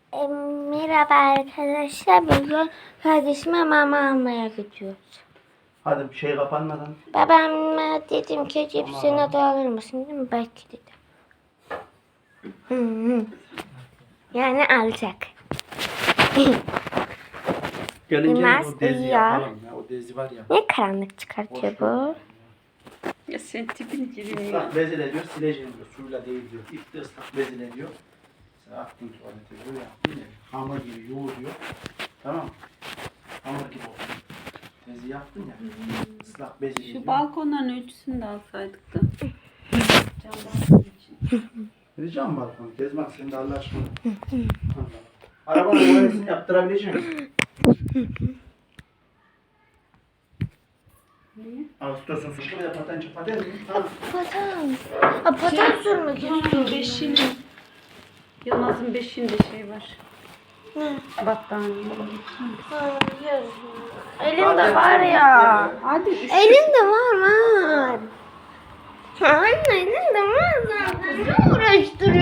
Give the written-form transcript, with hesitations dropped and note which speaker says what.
Speaker 1: Merhaba arkadaşlar. Bugün kardeşime mama almaya gidiyoruz.
Speaker 2: Hadi bir şey kapanmadan.
Speaker 1: Babama dedim ki cipsini de alır mısın, değil mi? Belki dedim. Yani alacak.
Speaker 2: Gelince
Speaker 1: Yılmaz
Speaker 2: o dezi
Speaker 1: uyuyor.
Speaker 2: yapalım ya. O dezi var ya.
Speaker 1: Ne karanlık çıkartıyor bu?
Speaker 3: Ya sen tipini girin ya.
Speaker 2: Islak bezile diyor, sileceğim diyor. Suyla değil diyor. İlk de ıslak bezile diyor. Sen attın tuvalete diyor, yaptın ya. Hamur gibi yoğur diyor. Tamam mı? Hamur gibi olsun. Dezi yaptın ya. Islak bezile diyor.
Speaker 3: Şu balkonların ölçüsünü de alsaydık da. Cam balkon için.
Speaker 2: Vereceğim balkonu. Kezmak sen de Allah aşkına. Arabanın boyasını yaptırabilecek misin?
Speaker 3: Niye?
Speaker 2: Ağustos'un suçlu bir de paten çapaten mi? Tamam.
Speaker 1: Patan. Patan sürmek istiyorum.
Speaker 3: Beşini. Yılmaz'ın beşinde şey var. Battaniye.
Speaker 1: Hayır. Elimde var ya.
Speaker 3: Hadi üşü.
Speaker 1: Elimde var. Anne elimde var zaten. Ne uğraştırıyorsun?